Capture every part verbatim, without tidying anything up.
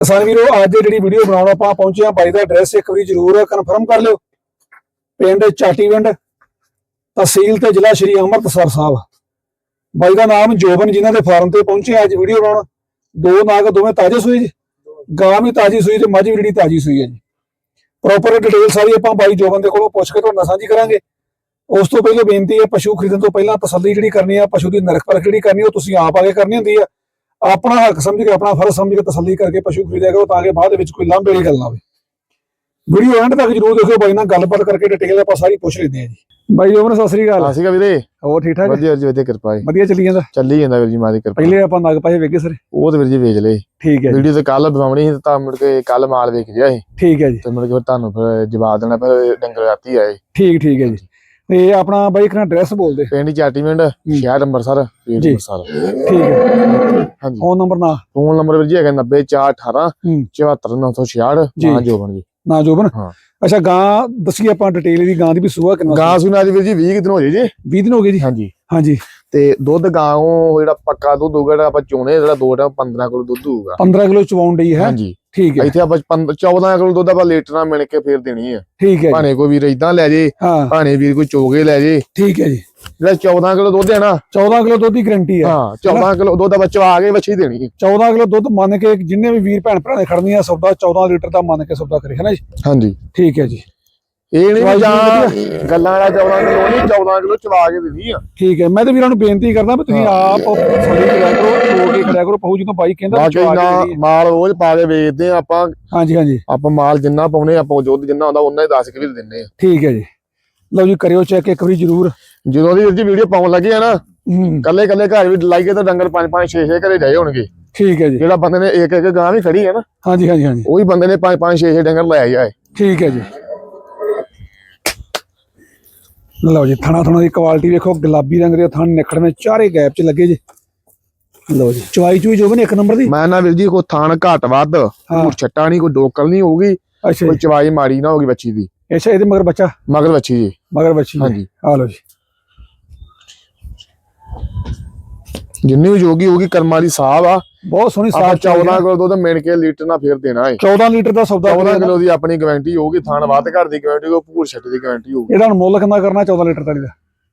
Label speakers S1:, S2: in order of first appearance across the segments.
S1: किसान वीरो अज जी वीडियो बनाने आप पहुंचे हैं बाई का एड्रैस एक बार जरूर कन्फर्म कर लो। पिंड चाटीविंड तहसील ते जिला श्री अमृतसर साहब। बाई का नाम जोबन जिन्हों के फार्म से पहुंचे अज वीडियो बनाने। दो नाग दोवें ताजे सूई जी, गां भी ताजी सूई ते मझ भी जी ताजी सूई है जी। प्रॉपर डिटेल सारी आप बाई जोबन के कोलों पुछ के तुहाडे नाल साझी करांगे। उस तो पहले बेनती है पशु खरीदण तो पहला तसल्ली जिहड़ी करनी है, पशु की नरख परख जिहड़ी करनी है तुसीं आप आके करनी हुंदी है। अपना हक समझ के अपना फर्ज समझ के तसल्ली करके पशु खरीदिया करो ताकि बाद विच कोई लांभे वाली गल ना होवे। वीडियो एंड तक जरूर देखो, बाई नाल गलबात करके डिटेल आपां सारी पुछ लेंदे हैं जी। बाई जोबन सत श्री अकाल।
S2: सत श्री अकाल वीरे,
S1: होर ठीक ठाक
S2: वधिया जी, वधिया कृपा है,
S1: वधिया चली जांदा
S2: ਚੱਲੀ ਜਾਂਦਾ ਵੀਰ ਜੀ ਮਾਂ ਦੀ ਕਿਰਪਾ।
S1: पहले आपां नग पाए वेखे सर
S2: ਉਹ ਤੇ ਵੀਰ ਜੀ ਵੇਚ ਲਏ।
S1: ठीक है
S2: ਵੀਡੀਓ ਤੇ ਕੱਲ ਬਣਾਉਣੀ ਸੀ ਤਾਂ ਮੁੜ ਕੇ ਕੱਲ ਮਾਲ ਵੇਖ ਗਿਆ ਸੀ
S1: ठीक है जी
S2: ਤੇ ਮੁੜ ਕੇ ਫਿਰ ਤੁਹਾਨੂੰ ਫਿਰ ਜਵਾਬ ਦੇਣਾ ਫਿਰ ਡੰਗਰ ਰਾਤੀ ਆਏ।
S1: ठीक ठीक है जी। ਤੇ ਆਪਣਾ ਬਾਈ ਇੱਕ ਨਾ ਐਡਰੈਸ ਬੋਲ ਦੇ।
S2: ਪਿੰਡ ਚਾਟੀਵਿੰਡ ਸ਼ਹਿਰ ਅੰਮ੍ਰਿਤਸਰ ਵੀਰ
S1: ਜੀ।
S2: ਅੰਮ੍ਰਿਤਸਰ।
S1: ਠੀਕ ਹੈ
S2: ਹਾਂਜੀ
S1: ਫੋਨ ਨੰਬਰ ਨਾ
S2: ਫੋਨ ਨੰਬਰ ਵੀਰ ਜੀ ਹੈਗਾ ਨੱਬੇ ਚਾਰ ਅਠਾਰਾਂ ਚੁਹੱਤਰ ਨੌ ਸੌ ਛਿਆਹਠ।
S1: ਜੀ।
S2: ਨਾ ਜੋਬਨ ਜੀ
S1: ਨਾ ਜੋਬਨ।
S2: ਹਾਂ
S1: ਅੱਛਾ ਗਾਂ ਦੱਸੀ ਆਪਾਂ ਡਿਟੇਲ ਦੀ ਗਾਂ ਦੀ ਵੀ ਸੂਆ ਕਿੰਨਾ
S2: ਗਾਂ ਸੁਣਾ ਦੀ ਵੀਰ ਜੀ ਵੀਹ ਕੁ ਦਿਨ ਹੋ ਜੇ ਜੀ।
S1: ਵੀਹ ਦਿਨ ਹੋ ਗਏ ਜੀ।
S2: ਹਾਂਜੀ
S1: ਹਾਂਜੀ
S2: ਤੇ ਦੁੱਧ ਗਾਂ ਉਹ ਜਿਹੜਾ ਪੱਕਾ ਦੁੱਧ ਹੋਊਗਾ ਜਿਹੜਾ ਆਪਾਂ ਚੋਣੇ ਜਿਹੜਾ ਦੋ ਟਾਈਮ ਪੰਦਰਾਂ ਕਿਲੋ ਦੁੱਧ ਹੋਊਗਾ।
S1: ਪੰਦਰਾਂ ਕਿਲੋ ਚਵਾਉਣ ਡਈ ਹੈ।
S2: ਹਾਂਜੀ
S1: ਠੀਕ ਹੈ
S2: ਇੱਥੇ ਆਪਾਂ ਚੌਦਾਂ ਕਿਲੋ ਦੁੱਧ ਆਪਾਂ ਲੀਟਰ ਨਾਲ ਮਿਣ ਕੇ ਫੇਰ ਦੇਣੀ ਹੈ।
S1: ਠੀਕ ਹੈ
S2: ਭਾਣੇ ਕੋਈ ਵੀਰ ਇਦਾਂ ਲੈ ਜੇ,
S1: ਹਾਂ
S2: ਭਾਣੇ ਵੀਰ ਕੋਈ ਚੋਗੇ ਲੈ ਜੇ।
S1: ਠੀਕ ਹੈ ਜੀ।
S2: ਜਿਹੜਾ ਚੌਦਾਂ ਕਿਲੋ ਦੁੱਧ ਹੈ ਨਾ,
S1: ਚੌਦਾਂ ਕਿਲੋ ਦੁੱਧ ਦੀ ਗਰੰਟੀ ਹੈ।
S2: ਹਾਂ ਚੌਦਾਂ ਕਿਲੋ ਦੁੱਧ ਬੱਚਾ ਆ ਕੇ ਬੱਚੀ ਦੇਣੀ ਹੈ।
S1: ਚੌਦਾਂ ਕਿਲੋ ਦੁੱਧ ਮੰਨ ਕੇ ਜਿੰਨੇ ਵੀ ਵੀਰ ਭੈਣ ਭਰਾ ਨੇ ਖੜਨੀ ਆ ਸੌਦਾ ਚੌਦਾਂ ਲੀਟਰ ਦਾ ਮੰਨ ਕੇ ਸੌਦਾ ਕਰੇ ਹੈ ਨਾ ਜੀ।
S2: ਹਾਂਜੀ
S1: ਠੀਕ ਹੈ ਜੀ।
S2: ਇਹ ਨਹੀਂ ਜਾਂ ਗੱਲਾਂ ਵਾਲਾ ਚੌਦਾਂ ਕਿਲੋ ਨਹੀਂ, ਚੌਦਾਂ ਕਿਲੋ ਚਵਾ ਕੇ ਦੇਣੀ ਆ।
S1: ਠੀਕ ਹੈ ਮੈਂ ਤੇ ਵੀਰਾਂ ਨੂੰ ਬੇਨਤੀ ਕਰਦਾ ਵੀ ਤੁਸੀਂ ਆਪ ਸਹੀ ਕਰਿਆ ਕਰੋ, ਚੋ ਕੇ ਖੜਿਆ ਕਰੋ। ਪਹੂ ਜਦੋਂ ਬਾਈ ਕਹਿੰਦਾ
S2: ਬਾਕੀ ਨਾ ਮਾਲ ਰੋਜ਼ ਪਾ ਕੇ ਵੇਚਦੇ ਆ ਆਪਾਂ।
S1: ਹਾਂਜੀ ਹਾਂਜੀ
S2: ਆਪਾਂ ਮਾਲ ਜਿੰਨਾ ਪਾਉਨੇ ਆਪਾਂ ਦੁੱਧ ਜਿੰਨਾ ਹੁੰਦਾ ਉਹਨਾਂ ਹੀ ਦੱਸ ਕੇ ਵੀ ਦਿੰਨੇ ਆ।
S1: ਠੀਕ ਹੈ ਜੀ। ਲਓ ਜੀ ਕਰਿਓ ਚੈੱਕ ਇੱਕ ਵਾਰੀ ਜ਼ਰੂਰ।
S2: ਜਦੋਂ ਦੀ ਵੀਰ ਜੀ ਵੀਡੀਓ ਪਾਉਣ ਲੱਗੇ ਆ ਨਾ
S1: ਹੂੰ
S2: ਕੱਲੇ ਕੱਲੇ ਘਰ ਵੀ ਲਾਈਏ ਤਾਂ ਡੰਗਰ ਪੰਜ ਪੰਜ ਛੇ ਛੇ ਘਰੇ ਜਾਏ ਹੋਣਗੇ।
S1: ਠੀਕ ਹੈ ਜੀ।
S2: ਜਿਹੜਾ ਬੰਦੇ ਨੇ ਇੱਕ ਇੱਕ ਗਾਂ ਵੀ ਖੜੀ ਹੈ ਨਾ,
S1: ਹਾਂਜੀ ਹਾਂਜੀ ਹਾਂਜੀ
S2: ਉਹੀ ਬੰਦੇ ਨੇ ਪੰਜ ਪੰਜ ਛੇ ਛੇ ਡੰਗਰ ਲੈ ਆਏ।
S1: ਠੀਕ ਹੈ ਜੀ। ਲਓ ਜੀ ਥਣਾ ਥਣਾ ਦੀ ਕੁਆਲਿਟੀ ਵੇਖੋ, ਗੁਲਾਬੀ ਰੰਗ ਦੇ ਥਣ ਨਿਖੜਵੇਂ ਚਾਰੇ ਗੈਪ ਚ ਲੱਗੇ ਜੀ। ਲਓ ਜੀ ਚਵਾਈ ਚੂਈ ਜੋ ਬਣੇ ਇੱਕ ਨੰਬਰ ਦੀ।
S2: ਮੈਂ ਨਾ ਵੀਰ ਜੀ ਕੋਈ ਥਾਣ ਘੱਟ ਵੱਧ ਕੋਈ ਛੱਟਾ ਨਹੀਂ, ਕੋਈ ਡੋਕਲ ਨਹੀਂ ਹੋਊਗੀ,
S1: ਅੱਛਾ
S2: ਕੋਈ ਚਵਾਈ ਮਾੜੀ ਨਾ ਹੋਗੀ ਬੱਚੀ ਦੀ।
S1: ਅੱਛਾ ਇਹਦੇ ਮਗਰ ਬੱਚਾ
S2: ਮਗਰ ਬੱਚੀ ਜੀ।
S1: ਮਗਰ ਬੱਚੀ
S2: ਹਾਂਜੀ
S1: ਆ ਲਓ ਜੀ।
S2: ਜਿੰਨੀ ਵੀ ਜੋਗੀ ਹੋਗੀ ਕਰਮਾਂ ਦੀ ਸਾਹਬ ਆ।
S1: ਬਹੁਤ ਸੋਹਣੀ
S2: ਸਾਹ ਚੌਦਾਂ ਕਿਲੋ ਦੁੱਧ ਮਿਣ ਕੇ ਲੀਟਰ ਨਾਲ ਫੇਰ ਦੇਣਾ ਹੈ।
S1: ਚੌਦਾਂ ਲੀਟਰ ਦਾ ਸੌਦਾ
S2: ਚੌਦਾਂ ਕਿਲੋ ਦੀ ਆਪਣੀ ਗਾਰੰਟੀ ਹੋਊਗੀ। ਥਾਣ ਵੱਧ ਘਰ ਦੀ ਗਾਰੰਟੀ ਹੋਊ, ਭੂਰ ਛੱਟ ਦੀ ਗਾਰੰਟੀ ਹੋਊਗੀ।
S1: ਇਹਦਾ ਹੁਣ ਮੁੱਲ ਕਿੰਨਾ ਕਰਨਾ ਚੌਦਾਂ ਲੀਟਰ ਤਲੀ ਦਾ?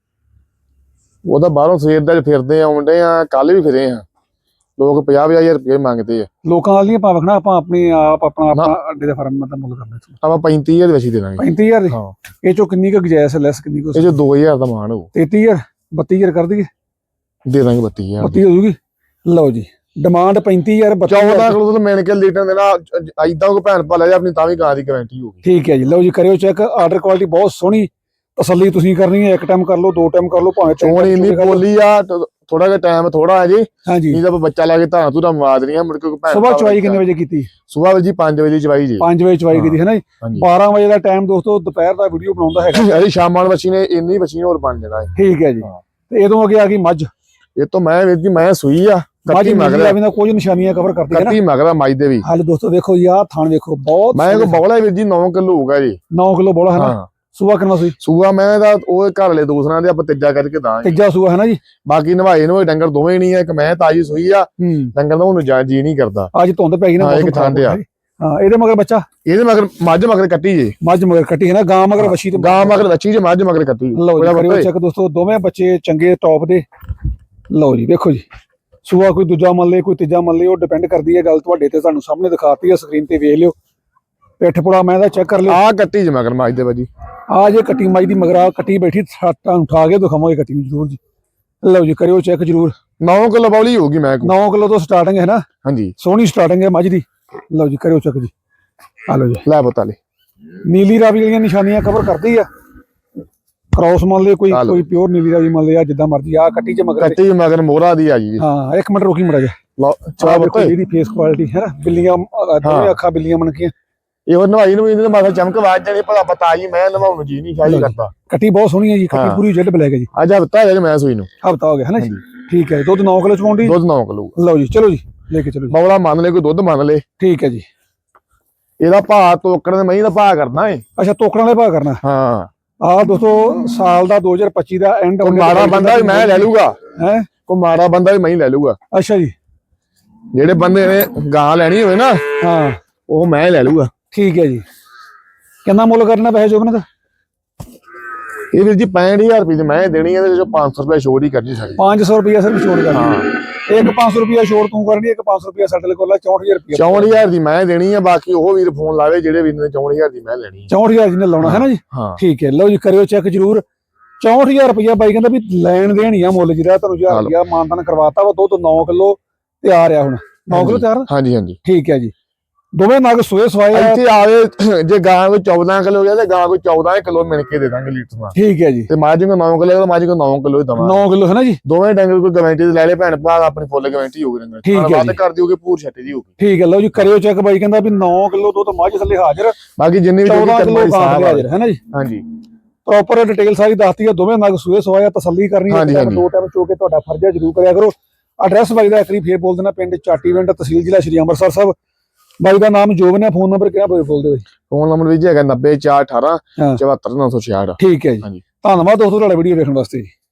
S2: ਉਹਦਾ ਬਾਹਰੋਂ ਸਵੇਰ ਦਾ ਫਿਰਦੇ ਆਉਂਦੇ ਆ, ਕੱਲ ਵੀ ਫਿਰੇ ਆ। ਲੋਕ ਪੰਜਾਹ ਪੰਜਾਹ ਹਜ਼ਾਰ ਰੁਪਏ ਮੰਗਦੇ ਆ।
S1: ਲੋਕਾਂ ਵਾਲ ਨਹੀਂ ਪਾਵਖਣਾ, ਆਪਾਂ ਆਪਣੀ ਆਪ ਆਪਣਾ ਆਪਣਾ ਅੱਡੇ ਦੇ ਫਾਰਮ ਦਾ ਮੁੱਲ ਕਰਨਾ।
S2: ਆਪਾਂ ਪੈਂਤੀ ਹਜ਼ਾਰ ਵਿੱਚ ਦੇ ਦਾਂਗੇ।
S1: ਪੈਂਤੀ ਹਜ਼ਾਰ ਦੀ
S2: ਹਾਂ।
S1: ਇਹ ਚੋਂ ਕਿੰਨੀ ਕੁ ਗੁੰਜਾਇਸ਼ ਲੈਸ ਕਿੰਨੀ ਕੁ?
S2: ਇਹ ਚ ਦੋ ਹਜ਼ਾਰ ਦਾ ਮਾਣ ਹੋਊ।
S1: ਤੇਤੀ ਹਜ਼ਾਰ ਬੱਤੀ ਹਜ਼ਾਰ ਕਰ ਦਈਏ?
S2: ਦੇ ਦਾਂਗੇ ਬੱਤੀ ਹਜ਼ਾਰ
S1: ਬੱਤੀ ਹੋ ਜੂਗੀ। ਲਓ ਜੀ ਡਿਮਾਂਡ ਪੈਂਤੀ ਹਜ਼ਾਰ
S2: ਚੌਦਾਂ ਕਿਲੋ ਦੁੱਧ ਮਿਣ ਕੇ ਲੀਟਰ ਦੇਣਾ। ਏਦਾਂ ਕੋਈ ਭੈਣ ਭਾ ਲੈ ਜਾ ਆਪਣੀ ਤਾਂ ਵੀ ਗਾਂ ਦੀ ਗਾਰੰਟੀ ਹੋਊਗੀ।
S1: ਠੀਕ ਹੈ ਜੀ। ਲਓ ਜੀ ਕਰਿਓ ਚੈੱਕ। ਆਰਡਰ ਕੁਆਲਿਟੀ ਬਹੁਤ ਸੋਹਣੀ, ਤਸੱਲੀ ਤੁਸੀਂ ਕਰਨੀ ਹੈ। ਇੱਕ ਟਾਈਮ ਕਰ ਲਓ, ਦੋ ਟਾਈਮ ਕਰ ਲਓ, ਭਾਵੇਂ
S2: ਚੋਣ ਇੰਨੀ ਬੋਲੀ ਆ। ਥੋੜਾ ਜਿਹਾ ਟਾਈਮ ਥੋੜਾ ਹੈ ਜੀ।
S1: ਹਾਂਜੀ
S2: ਨਹੀਂ ਤਾਂ ਬੱਚਾ ਲਾ ਕੇ ਧਾਰਾਂ ਧੂਰਾਂ ਮਾਰ ਦੇਣੀਆਂ ਮੁੜ ਕੇ ਭੈਣ।
S1: ਸੁਬਾਹ ਚਵਾਈ ਕਿੰਨੇ ਵਜੇ ਕੀਤੀ?
S2: ਸੁਬਾਹ ਜੀ ਪੰਜ ਵਜੇ ਚਵਾਈ ਜੀ।
S1: ਪੰਜ ਵਜੇ ਚਵਾਈ ਕੀਤੀ ਹੈ ਨਾ ਜੀ। ਬਾਰਾਂ ਵਜੇ ਦਾ ਟਾਈਮ ਦੋਸਤੋ ਦੁਪਹਿਰ ਦਾ ਵੀਡੀਓ ਬਣਾਉਂਦਾ ਹੈਗਾ।
S2: ਅਰੇ ਸ਼ਾਮਾਂ ਨੂੰ ਬੱਚੀ ਨੇ ਇੰਨੀ ਬੱਚੀ ਹੋਰ ਬਣ ਜਾਣਾ ਹੈ।
S1: ਠੀਕ ਹੈ ਜੀ। ਤੇ ਇਹਦੋਂ ਅੱਗੇ ਆ ਗਈ ਮੱਝ।
S2: ਇਹ ਤੋਂ ਮੈਂ ਵੀਰ ਜੀ ਮੈਂ ਸੂਈ ਆ
S1: ਮੱਝ ਮਗਰ ਵੀ ਨਾ ਕੁਝ ਨਿਸ਼ਾਨੀਆਂ ਕਵਰ ਕਰਦੀ ਹੈ ਨਾ।
S2: ਕੱਟੀ ਮਗਰ ਮੱਝ ਦੇ ਵੀ।
S1: ਹਾਲੇ ਦੋਸਤੋ ਦੇਖੋ ਜੀ ਆਹ ਥਣ ਵੇਖੋ ਬਹੁਤ।
S2: ਮੈਂ ਕੋ ਬੌਲਾ ਵੀਰ ਜੀ ਨੌ ਕਿਲੋ ਹੋਊਗਾ ਜੀ।
S1: ਨੌ ਕਿਲੋ ਬੋਲਾ ਹੈ ਨਾ। ਸੂਆ ਕਿੰਨਾ ਸੂਈ? ਸੂਆ
S2: ਮੈਂ ਤਾਂ ਉਹ ਘਰ ਵਾਲੇ ਦੂਸਰਾਂ ਦੇ ਆਪਾਂ ਤੀਜਾ ਕਰਕੇ ਦਾਂਗੇ।
S1: ਤੀਜਾ ਸੂਆ ਹੈ ਨਾ ਜੀ।
S2: ਬਾਕੀ ਨਵਾਏ ਨਵਾਏ ਡੰਗਰ ਦੋਵੇਂ ਨਹੀਂ ਆ। ਇੱਕ ਮੈਂ ਤਾਜੀ ਸੂਈ ਆ ਡੰਗਰ ਦਾ ਉਹਨੂੰ ਜਾ ਜੀ ਨਹੀਂ ਕਰਦਾ।
S1: ਅੱਜ ਧੁੰਦ ਪੈ ਗਈ ਨਾ
S2: ਇੱਕ ਥਾਂ ਤੇ ਆ।
S1: ਹਾਂ ਇਹਦੇ ਮਗਰ ਬੱਚਾ,
S2: ਇਹਦੇ ਮਗਰ ਮੱਝ ਮਗਰ ਕੱਟੀ ਜੀ।
S1: ਮੱਝ ਮਗਰ ਕੱਟੀ ਹੈ ਨਾ। ਗਾਂ ਮਗਰ ਵੱਛੀ ਤੇ
S2: ਗਾਂ ਮਗਰ ਵੱਛੀ ਜੀ, ਮੱਝ ਮਗਰ ਕੱਟੀ।
S1: ਲਓ ਜੀ ਕਰਿਓ ਚੈੱਕ ਦੋਸਤੋ, ਦੋਵੇਂ ਬੱਚੇ ਚੰਗੇ ਟੌਪ ਦੇ। ਲਓ ਜੀ ਵੇਖੋ ਜੀ ਸੂਆ ਕੋਈ ਦੂਜਾ ਮੰਨ ਲੇ ਕੋਈ ਤੀਜਾ ਮੰਨ ਲੇ, ਉਹ ਡਿਪੈਂਡ ਕਰਦੀ ਹੈ ਗੱਲ ਤੁਹਾਡੇ ਤੇ। ਤੁਹਾਨੂੰ ਸਾਹਮਣੇ ਦਿਖਾਤੀ ਹੈ ਸਕਰੀਨ ਤੇ, ਵੇਖ ਲਿਓ। ਪਿੱਠ ਪੁੜਾ ਮੈਂ ਦਾ ਚੈੱਕ ਕਰ ਲਿਓ।
S2: ਆਹ ਕੱਟੀ ਜੀ ਮਗਰ ਮੱਝ ਦੇ ਬਾਜੀ।
S1: ਆ ਜੇ ਕੱਟੀ ਮੱਝ ਦੀ ਮਗਰਾ ਕੱਟੀ ਬੈਠੀ, ਤੁਹਾਨੂੰ ਉਠਾ ਕੇ ਦਿਖਾਵਾਂਗੇ ਕੱਟੀ ਨੂੰ ਜ਼ਰੂਰ ਜੀ। ਲਓ ਜੀ ਕਰਿਓ ਚੈੱਕ ਜ਼ਰੂਰ।
S2: ਨੌ ਕਿਲੋ ਬੌਲੀ ਹੋਊਗੀ ਮੈਂ ਕੋਲ।
S1: ਨੌ ਕਿਲੋ ਤੋਂ ਸਟਾਰਟਿੰਗ ਹੈ ਨਾ।
S2: ਹਾਂਜੀ
S1: ਸੋਹਣੀ ਸਟਾਰਟਿੰਗ ਹੈ ਮੱਝ ਦੀ। ਲਓ ਜੀ ਕਰਿਓ ਚੈੱਕ ਜੀ। ਆ ਲਓ ਜੀ
S2: ਲੈ ਪਤਾ ਲੈ
S1: ਨੀਲੀ ਰਾਵੀ ਵਾਲੀਆਂ ਨਿਸ਼ਾਨੀਆਂ ਕਵਰ ਕਰਦੀ ਆ। ਕ੍ਰੋਸ ਮੰਨ ਲਿਓ, ਕੋਈ ਕੋਈ ਪਿਓਰ ਨੀਲੀ ਰਾਵੀ ਮੰਨ ਲਿਆ, ਜਿੱਦਾਂ ਮਰਜੀ। ਆ ਕੱਟੀ ਚ ਮਗਰ
S2: ਕੱਟੀ ਮਗਰ ਮੋਹਰਾ ਦੀ ਆ ਜੀ।
S1: ਹਾਂ ਇੱਕ ਮਿੰਟ ਰੁਕੀ ਮੜਾ ਜਾ।
S2: ਲਓ ਚਾਹ
S1: ਦੇਖੋ ਇਹਦੀ ਫੇਸ ਕੁਆਲਿਟੀ ਹੈ ਨਾ। ਬਿੱਲੀਆਂ ਦੋਵੇਂ ਅੱਖਾਂ ਬਿੱਲੀਆਂ ਬਣ ਕੇ
S2: ਇਹ ਨਵਾਈ ਨੂੰ ਇਹਦੇ ਮਾਥਾ ਚਮਕ ਵਾਜ ਜਾਣੀ। ਭਲਾ ਪਤਾ ਜੀ ਮੈਂ ਨਵਾਉਣ ਨੂੰ ਜੀ ਨਹੀਂ ਸ਼ਾਇਦ ਕਰਦਾ।
S1: ਕੱਟੀ ਬਹੁਤ ਸੋਹਣੀ ਹੈ ਜੀ। ਕੱਟੀ ਪੂਰੀ ਜੈਡ ਬਲੈਕ ਹੈ ਜੀ।
S2: ਅੱਜ ਹਫਤਾ ਹੈ ਮੈਂ ਸੂਈ ਨੂੰ।
S1: ਹਫਤਾ ਹੋ ਗਿਆ ਹੈ ਨਾ ਜੀ। ਠੀਕ ਹੈ। ਦੁੱਧ ਨੌ ਕਿਲੋ ਚਵਾਉਂਦੀ।
S2: ਦੁੱਧ ਨੌ ਕਿਲੋ।
S1: ਲਓ ਜੀ ਚਲੋ ਜੀ ਲੈ ਕੇ ਚਲੋ।
S2: ਬੌਲਾ ਮੰਨ ਲੈ, ਕੋਈ ਦੁੱਧ ਮੰਨ ਲੈ।
S1: ਠੀਕ ਹੈ ਜੀ।
S2: ਇਹਦਾ ਭਾਅ ਤੋਕੜ ਦੇ ਮਹੀਂ ਦਾ ਭਾਅ ਕਰਨਾ ਏ।
S1: ਅੱਛਾ ਤੋਕੜਾਂ ਦੇ ਭਾਅ ਕਰਨਾ।
S2: ਹਾਂ
S1: ਆਹ ਦੋਸਤੋ ਸਾਲ ਦਾ ਦੋ ਹਜ਼ਾਰ ਪੱਚੀ ਦਾ ਐਂਡ।
S2: ਮਾੜਾ ਬੰਦਾ ਵੀ ਮੈਂ ਲੈ ਲੂਗਾ
S1: ਹੈ।
S2: ਕੋਈ ਮਾੜਾ ਬੰਦਾ ਵੀ ਮੈਂ ਲੈ ਲੂਗਾ।
S1: ਅੱਛਾ ਜੀ।
S2: ਜਿਹੜੇ ਬੰਦੇ ਨੇ ਗਾਂ ਲੈਣੀ ਹੋਵੇ ਨਾ
S1: ਹਾਂ
S2: ਉਹ ਮੈਂ ਲੈ ਲੂਗਾ।
S1: ਠੀਕ ਹੈ ਜੀ। ਕਿੰਨਾ ਮੁੱਲ ਕਰਨਾ ਪੈਸੇ ਜੋਬਨ ਦਾ?
S2: ਇਹ ਵੀਰ ਜੀ ਪੈਂਹਠ ਹਜ਼ਾਰ ਰੁਪਏ ਦੀ ਮੈਂ ਦੇਣੀ ਹੈ, ਤੇ ਜੋ ਪੰਜ ਸੌ ਰੁਪਏ ਛੋੜ ਹੀ ਕਰਨੀ ਸਾਡੀ।
S1: ਪੰਜ ਸੌ ਰੁਪਏ ਸਿਰਫ ਛੋੜ ਕਰਨੀ। ਇੱਕ ਪੰਜ ਸੌ ਰੁਪਏ ਛੋੜ ਤੂੰ ਕਰਨੀ, ਇੱਕ ਪੰਜ ਸੌ ਰੁਪਏ ਸਾਡੇ ਕੋਲ ਚੌਂਹਠ ਹਜ਼ਾਰ ਰੁਪਏ
S2: ਚੌਂਹਠ ਹਜ਼ਾਰ ਦੀ ਮੈਂ ਦੇਣੀ ਆ। ਬਾਕੀ ਉਹ ਵੀਰ ਫੋਨ ਲਾਵੇ ਜਿਹੜੇ ਵੀਰ ਨੇ ਚੌਂਹਠ ਹਜ਼ਾਰ ਦੀ ਮੈਂ ਲੈਣੀ ਹੈ।
S1: ਚੌਂਹਠ ਹਜ਼ਾਰ ਜਿਹਨੇ ਲਾਉਣਾ ਹੈ ਨਾ ਜੀ।
S2: ਹਾਂ
S1: ਠੀਕ ਹੈ, ਲਓ ਜੀ ਕਰਿਓ ਚੈੱਕ ਜਰੂਰ। ਚੌਂਹਠ ਹਜ਼ਾਰ ਰੁਪਇਆ ਬਾਈ ਕਹਿੰਦਾ ਵੀ ਲੈਣ ਦੇਣ ਹੀ ਆ ਮੁੱਲ ਜਿਹੜਾ ਤੁਹਾਨੂੰ ਹਜ਼ਾਰ ਰੁਪਇਆ ਮਾਨਤਾਨ ਕਰਵਾਤਾ ਵਾ। ਦੁੱਧ ਨੌ ਕਿਲੋ ਤਿਆਰ ਆ ਹੁਣ। ਨੌ ਕਿਲੋ ਤਿਆਰ?
S2: ਹਾਂਜੀ ਹਾਂਜੀ
S1: ਠੀਕ ਹੈ ਜੀ। ਦੋਵੇਂ ਨਗ ਸੋਏ ਸਵਾਏ ਆ।
S2: ਇੱਥੇ ਆਵੇ ਜੇ ਗਾਂ ਕੋਈ ਚੌਦਾਂ ਕਿਲੋ ਗਿਆ ਤੇ ਗਾਂ ਕੋਈ ਚੌਦਾਂ ਕਿਲੋ ਮਿਲ ਕੇ ਦੇ ਦਾਂਗੇ ਲੀਟਰ ਨਾਲ।
S1: ਠੀਕ ਹੈ ਜੀ।
S2: ਤੇ ਮਾਜੀ ਕੋ ਨੌ ਕਿਲੋ ਮਾਜੀ ਕੋ ਨੌ ਕਿਲੋ ਹੀ ਦਵਾਂਗੇ।
S1: ਨੌ ਕਿਲੋ ਹੈ ਨਾ ਜੀ।
S2: ਦੋਵੇਂ ਡੰਗਰ ਕੋਈ ਗਾਰੰਟੀ ਦੇ ਲੈ ਲੈ ਭੈਣ ਭਰਾ ਆਪਣੀ ਫੁੱਲ ਗਾਰੰਟੀ ਹੋਊਗੀ ਡੰਗਰ।
S1: ਠੀਕ ਹੈ ਜੀ।
S2: ਕਰ ਦਿਓਗੇ ਪੂਰ ਛੱਟੇ ਦੀ ਹੋਊਗੀ।
S1: ਠੀਕ ਹੈ, ਲਓ ਜੀ ਕਰਿਓ ਚੈੱਕ ਬਾਈ ਕਹਿੰਦਾ ਵੀ ਨੌ ਕਿਲੋ ਦੁੱਧ ਮੱਝ ਥੱਲੇ ਹਾਜ਼ਰ।
S2: ਬਾਕੀ ਜਿੰਨੀ ਵੀ
S1: ਚੌਦਾਂ ਕਿਲੋ ਗਾਂ ਥੱਲੇ ਹਾਜ਼ਰ ਹੈ ਨਾ ਜੀ।
S2: ਹਾਂਜੀ
S1: ਪ੍ਰੋਪਰ ਡਿਟੇਲ ਸਾਰੀ ਦੱਸਤੀ ਆ। ਦੋਵੇਂ ਨਗ ਸੂਏ ਸਵਾਇਆ, ਤਸੱਲੀ ਕਰਨੀ ਹੈ। ਦੋ ਟਾਈਮ ਚੋ ਕੇ ਤੁਹਾਡਾ ਫਰਜ਼ ਹੈ, ਜ਼ਰੂਰ ਕਰਿਆ ਕਰੋ। ਐਡਰੈਸ ਬਾਈ ਦਾ ਆਖਰੀ ਫੇਰ ਬੋਲ ਦੇਣਾ, ਪਿੰਡ ਚਾਟੀਵਿੰਡ, ਤਹਿਸੀਲ ਜ਼ਿਲ੍ਹਾ ਸ਼੍ਰੀ ਅੰਮ੍ਰਿਤਸਰ ਸਾਹਿਬ। ਬਾਈ ਦਾ ਨਾਮ ਜੋਬਨ ਹੈ। ਫੋਨ ਨੰਬਰ ਕਿਹੜਾ ਬੋਲ ਦਿਓ?
S2: ਫੋਨ ਨੰਬਰ ਵੀ ਹੈਗਾ ਨੱਬੇ ਚਾਰ ਅਠਾਰਾਂ ਚੁਹੱਤਰ ਨੌ ਸੌ ਛਿਆਹਠ।
S1: ਠੀਕ ਹੈ ਜੀ। ਧੰਨਵਾਦ ਦੋਸਤੋ ਤੁਹਾਡਾ ਵੀਡੀਓ ਵੇਖਣ ਵਾਸਤੇ ਜੀ।